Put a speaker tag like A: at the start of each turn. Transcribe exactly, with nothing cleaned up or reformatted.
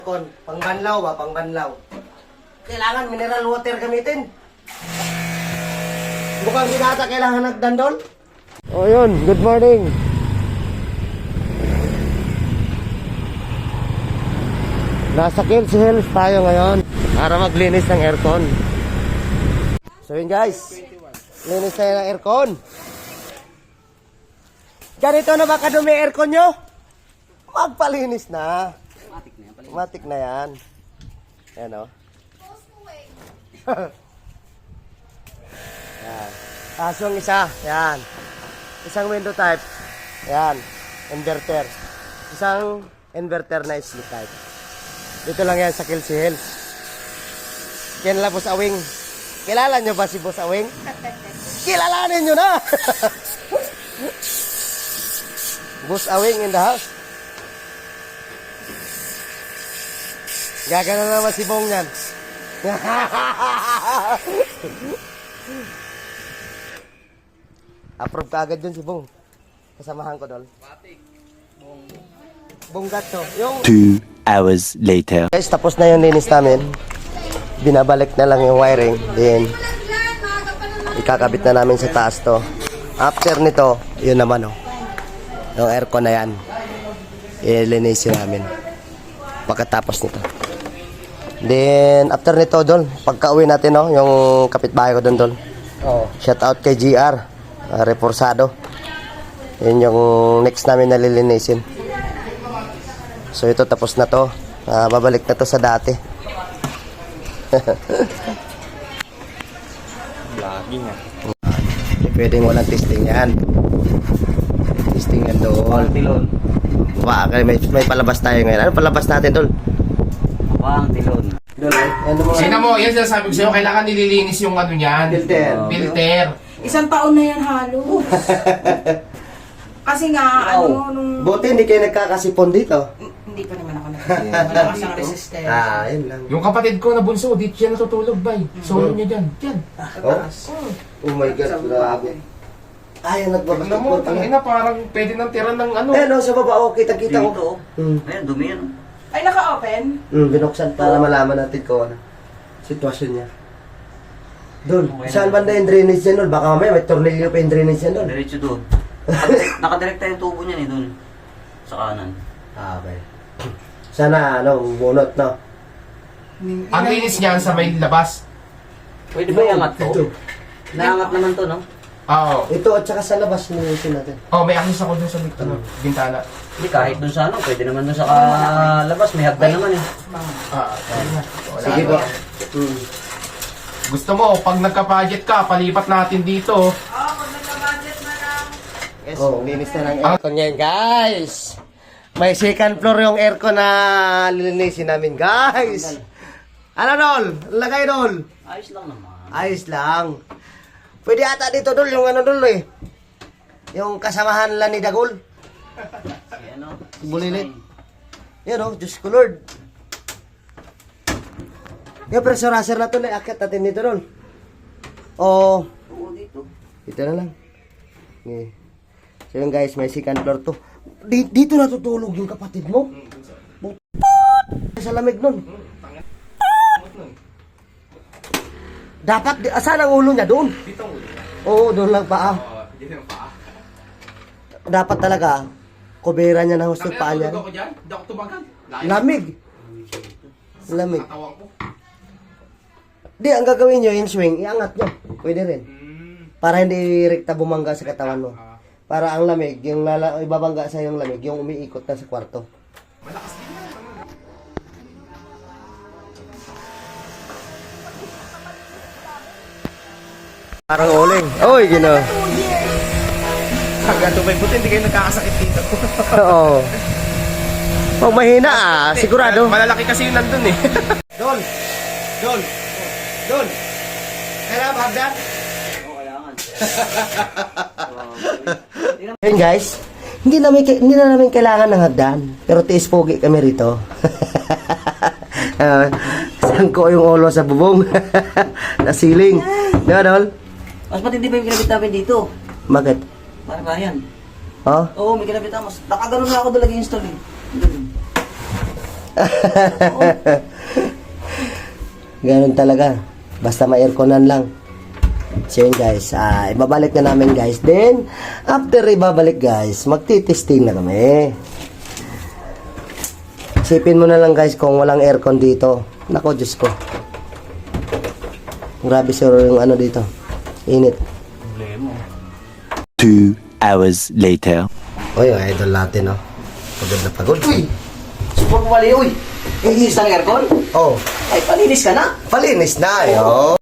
A: Kon, pangbanlaw ba? Pangbanlaw. Kailangan mineral water gamitin. Mukhang sinata kailangan nagdandol. O yun, good morning. Nasa Kills Hills tayo ngayon para maglinis ng aircon. So yun guys, linis tayo ng aircon. Ganito na ba kadumi aircon nyo? Magpalinis na. Matik na yan. Ayan o. Yan. Tapos yung isa. Yan. Isang window type. Yan. Inverter. Isang inverter na sleep type. Dito lang yan sa Kills Hills. Yan lang Boss Awing. Kilala nyo ba si Boss Awing? Kilalanin nyo na! Boss Awing in the house. Gagana naman si Bong yan. Approve ka agad dun si Bong. Kasamahan ko doon. Bong. Bong Gato. Yung...
B: Two hours later.
A: Guys, tapos na yung linis namin. Binabalik na lang yung wiring. Then, ikakabit na namin sa taas to. After nito, yun naman oh. Yung aircon na yan. Ilinisin namin. Pagkatapos nito. Then, after nito, Dol, pagka-uwi natin, no, yung kapitbahay ko doon, Dol. Oh. Shout out kay G R, uh, Reforzado. Yun yung next namin nalilinisin. So, ito, tapos na to. Uh, babalik na to sa dati.
B: Vlogging ah.
A: Hindi pwedeng walang testing yan. Testing yan, Dol.
B: Tilon.
A: Ba, may, may palabas tayo ngayon. Ano palabas natin, Dol?
B: Pang tilon.
C: Sina mo, yan sinasabi ko sa'yo, kailangan nililinis yung ano niyan.
A: Filter.
C: Filter.
D: Isang taon na yan halos. Kasi nga, ano, nung...
A: Buti hindi kayo nagkakasipon dito.
D: Hindi pa naman ako nag- Malakas ang resistance.
A: Ah, yun lang.
C: Yung kapatid ko na bunso, dito siya natutulog, bay. Solo niya dyan. Dyan.
A: Oh, oh my God, grabe. Ay,
C: Tignan mo,
A: nagbabasketball pala.
C: tangina, parang pwede nang tira ng ano.
A: Eh, no, sa baba, oh, kita-kita ko. Hmm.
B: Ayan, dumi yan.
D: Ay, naka-open?
A: Hmm, binuksan para malaman natin kung ano sitwasyon niya. Dol, saan banda yung drainage niya, Dol? Baka mamaya may tornilyo pa yung drainage niya, Dol.
B: Diretso doon. Nakadirect- Nakadirekta yung tubo niyan eh doon. Sa kanan.
A: Ah, okay. Sana, ano, bunot, no?
C: Ang linis niyan sa may labas.
B: Pwede ba iangat to?
A: Ito.
B: Naangat naman to, no?
C: Oo.
A: Ito at saka sa labas nilisin natin.
C: Oh, may access ako dun sa may ano, bintana.
B: Hindi, kahit doon sa ano, pwede naman doon sa ka- labas. May hagdan naman eh.
C: Ah, wala.
A: Sige po. Hmm.
C: Gusto mo, pag nagka-budget ka, palipat natin dito.
D: Oo, pag nagka-budget na lang.
A: Yes, oh, linis na ng aircon yan, guys. May second floor yung aircon na lilinisin namin, guys. Ano, Dol? Lagay, Dol.
B: Ayos lang naman.
A: Ayos lang. Pwede ata dito, Dol, yung ano, Dol, eh. Yung kasamahan lang ni Dagol.
B: Si ano?
A: Bulilit. Yan, oh, Diyos ko, Lord. Yung pressurizer na ito, naiakit natin dito, Dol. O,
B: Oo, dito.
A: dito na lang. Okay. So yun guys, may second floor to. Di, dito natutulog yung kapatid mo. Sa lamig nun. Dapat, di- asan ang ulo niya? Doon.
C: Dito ang ulo.
A: Oo, doon lang paa.
C: Oo, dito ang paa.
A: Dapat talaga, kubera niya na gusto paa niya.
C: Ako dyan, hindi ako tumagal.
A: Lamig. Lamig.
C: Tatawang ko.
A: Di, ang gagawin nyo, yung swing, iangat nyo. Pwede rin.
C: Hmm.
A: Para hindi rekta bumangga sa katawan mo. Para ang lamig, yung lala, ibabangga sa yung lamig, yung umiikot na sa kwarto.
C: Malakas din yan.
A: Parang uling. Oy, gino.
C: Hanggang tumay puti, hindi kayo nagkakasakit dito.
A: Oo. Pag mahina ah, sigurado.
C: Malalaki kasi yun nandun eh.
A: Dol. Dol. Dol. Kailangan ba hagdan?
B: Oo, kailangan.
A: Ayun guys, hindi namin hindi na namin kailangan ng hagdan, pero tiis pogi kami rito. uh, sangko yung ulo sa bubong. Na ceiling. Di ba, Dol?
B: Mas matindi pa yung kinabit namin dito.
A: Bakit?
B: Para ba yan?
A: Oh?
B: Oo, may kinabit ako. Nakagano'n na ako doon lagi install eh. Doon.
A: Ganun talaga. Basta ma-airconan lang. So yun guys, ah, ibabalik na namin guys. Then, after ibabalik guys, magtitesting na kami. Isipin mo na lang guys kung walang aircon dito. Nako, Diyos ko. Grabe sir yung ano dito. Init.
E: Two hours later.
A: Uy, yung idol natin, no? Pagod na pagod.
B: Uy! Support mo mali, uy! Yung isang aircon?
A: Oh,
B: Ay, palinis ka na!
A: palinis na, yo.